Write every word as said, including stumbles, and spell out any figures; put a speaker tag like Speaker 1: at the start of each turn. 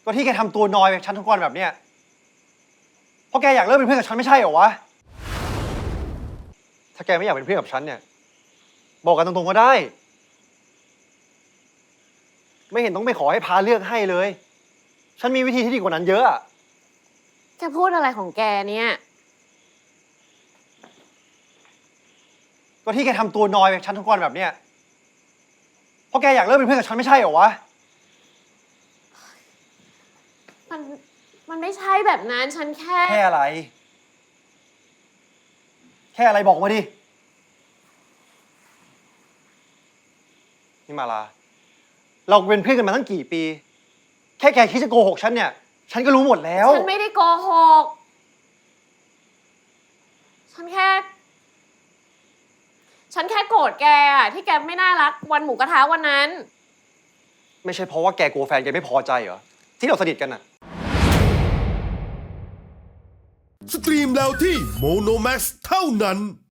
Speaker 1: ก็ที่แกทำตัวนอยแบบฉันทุกวันแบบเนี้ยเพราะแกอยากเลิกเป็นเพื่อนกับฉันไม่ใช่เหรอวะถ้าแกไม่อยากเป็นเพื่อนกับฉันเนี่ยบอกกันตรงๆก็ได้ไม่เห็นต้องไปขอให้พาเลือกให้เลยฉันมีวิธีที่ดีกว่านั้นเยอะอะ
Speaker 2: จะพูดอะไรของแกเนี่ย
Speaker 1: ก็ที่แกทำตัวนอยแบบฉันทุกวันแบบเนี้ยเพราะแกอยากเลิกเป็นเพื่อนกับฉันไม่ใช่เหรอวะ
Speaker 2: มันมันไม่ใช่แบบนั้นฉันแค่
Speaker 1: แค่อะไรแค่อะไรบอกมาดินี่มาลาเราเป็นเพื่อนกันมาตั้งกี่ปีแค่แกคิดจะโกหกฉันเนี่ยฉันก็รู้หมดแล้ว
Speaker 2: ฉันไม่ได้โกหกฉันแค่ ฉันแค่โกรธแกอะที่แกไม่น่ารักวันหมูกระทะวันนั้น
Speaker 1: ไม่ใช่เพราะว่าแกกลัวแฟนแกไม่พอใจเหรอที่เราสนิทกันน่ะ
Speaker 3: สตรีมแล้วที่โมโนแม็กซ์เท่านั้น